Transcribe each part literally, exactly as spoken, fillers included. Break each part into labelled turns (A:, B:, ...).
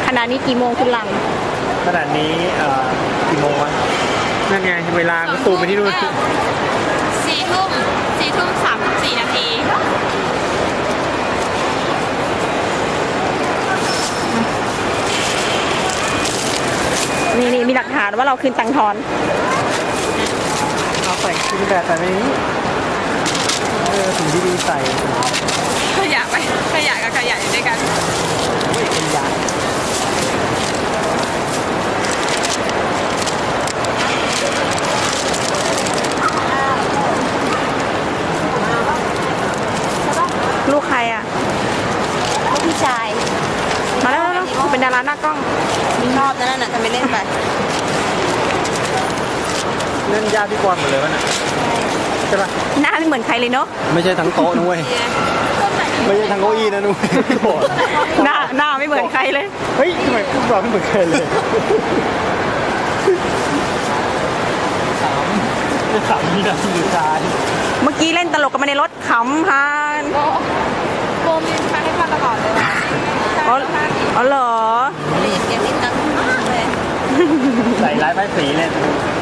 A: ขณะนี้กี่โมงคุณหลัง
B: ขนาดนี้เอ่อกี่โมงวะนั่นไงเวลาก็ซูมไปที่นู่น
C: สี่ทุ่มสี่ทุ่มสามสิบสี่นาที
A: นี่นี่มีหลักฐานว่าเราคืนตังค์ทอน
B: เอาใส่กินแบบใส่ในนี้เออสิ่งที่ดีใส่
C: ขยะไปขยะกับขยะอยู่ด้วยกัน
B: เป็นยา
A: ลูกใครอ่ะ
C: ลูกพี่ชาย
A: มาแล้วแล้วเป็นดาราหน้ากล้อง
C: ชอบนั่นน่ะทำไมเล่นไป
B: เล่นยาพี่กรณ์หมดเลยวะเนี่ยใช่ปะ
A: หน้าไม่เหมือนใครเลยเนาะ
B: ไม่ใช่ทั้งโต๊ะนุ้ยไม่ใช่ทั้งเก้าอี้นะนุ้ย
A: หน้าหน้าไม่เหมือนใครเลย
B: เฮ้ยทำไมพวกเราไม่เหมือนใครเลยสามสามนี่นะที่ชาย
A: เมื่อกี้เล่นตลกกันมาในรถขำพาน
C: โบมีพาให้พาตลอดเลยว่ะ
A: อ๋ออ๋อเหรอ
C: เรียนเกมนิดนึงเลย
B: ใส่ร้ายป้ายสีเลย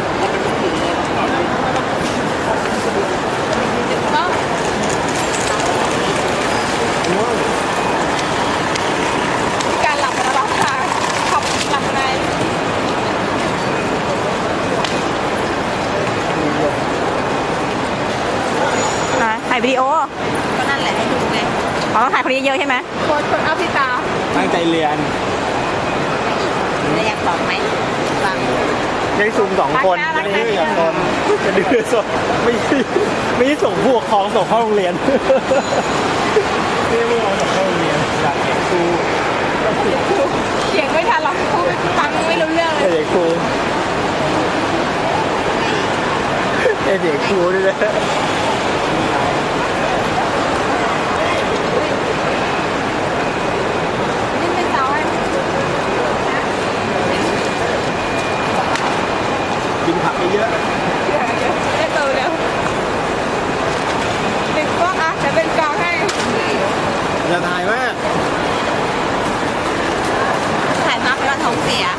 C: การหลับระหว่างทางขับหลับใน
A: นะถ่ายวิดีโอ
C: ก็นั่นแหละให้ดูไง
A: อ๋อถ่ายคนนี้เยอะใช่ไหม
C: คนคนเอาพี่ตา
B: ตั้งใจเรียน
C: แล้วอยากบอกไหมฟัง
B: ยังซูมสองคนไม่ได้อยากคนจะดื้อส่งไม่ไม่ได้ส่งผู้ปกครองส่งเข้าโรงเรียนไม่ได้ผู้ปกครองส่งเข้าโรงเรียนอยากเห็นครู
C: เสียงไม่ทันหรอกพูดฟังไม่รู้เรื่องเลย
B: เด็กครูเด็กครูด้วยนะ
C: นี่เป็นเสาให้
B: กินผักเยอะ
C: ได้โตแล้วติดกล้องอ่ะจะเป็นกองให้
B: อย่าถ่ายมาก
C: ถ่ายมากไปว่าท้องเสีย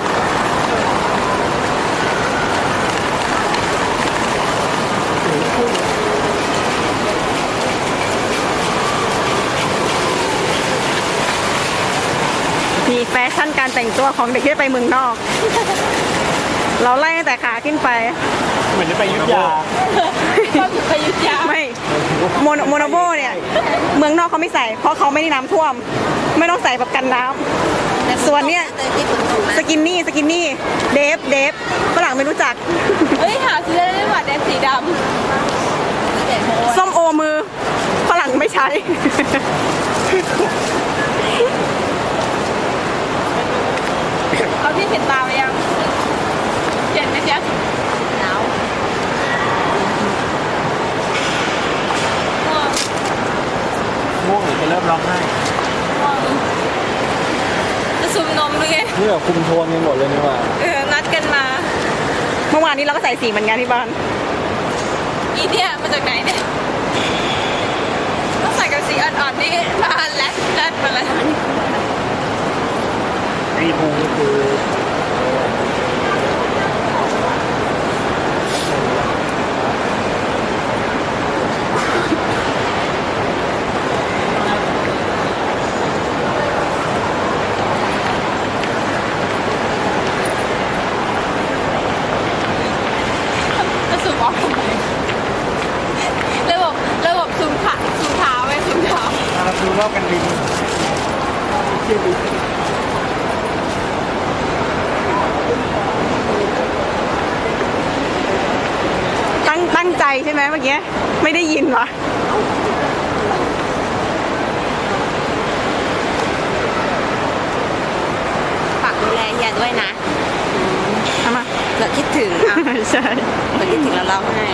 A: มีแฟชั่นการแต่งตัวของเด็กที่ไปเมืองนอกเราไล่ตั้งแต่ขาขึ้นไป
B: เหมือนจะไปยุทธยา
C: ไปยุทธยา
A: ไม่โมโนโมโนโบเนี่ยเมืองนอกเขาไม่ใส่เพราะเขาไม่ได้น้ำท่วมไม่ต้องใส่แบบกันน้ำส่วนเนี้ยสกินนี่สกินนี่เดฟเดฟฝรั่งไม่รู้จัก
C: เฮ้ยหาซื้อได้ไหมเดฟสีดำ
A: ส้มโอมือฝรั่งไม่ใช้
C: เอาที่เห็นตาไปยังเห็นไหมเจ๊หนาว
B: ง่วงหรือจะเริ่มร้องไห้
C: จะซูมนมด้วยไง
B: นี่แบบคุมโทนกันหมดเลยนี่ว่า
C: เออนัดกันมา
A: เมื่อวานนี้เราก็ใส่สีเหมือนกันที่บ้าน
C: อีเนี่ยมาจากไหนเนี่ยต้องใส่กับสีอ่อนๆนี่มาแลดแลดมาเลย
B: ไอ้ภูก็คือ
C: จะซูมออกทำไมระบบระบบซูมขาซูมเท้าไว้ซูมเท้า
B: เราดูรอบกันบินเที่ยวบิน
A: ตั้งตั้งใจใช่ไหมเมื่อกี้ไม่ได้ยินวะ
C: ฝากดูแลเฮียด้วยนะ
A: ทำไม
C: เราคิดถึงอ่ะ
A: ใช่
C: เราคิดถึงเราเล่าให้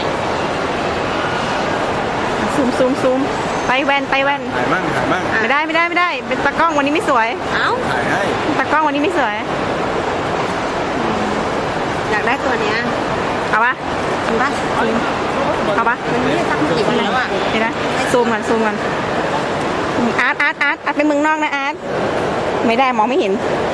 A: ซูมซูมซูมไปแว่นไปแว่น
B: ถ่ายมั่งถ่ายมั่ง
A: ไม่ได้ไม่ได้ไม่ได้เป็นตากล้องวันนี้ไม่สวย
C: เอ้า
B: ถ่ายให้
A: ตากล้องวันนี้ไม่สวย
C: อยากได้ตัวเนี้ย
A: เอาปะ
C: เอาปะ
A: เอาปะ
C: มันไม่ได้ตั้งกี่วันแล้วอ่ะ
A: เดี๋ยวนะซูมกันซูมกันอาร์ตอาร์ตอาร์ตอาร์ตเป็นเมืองนอกนะอาร์ตไม่ได้มองไม่เห็น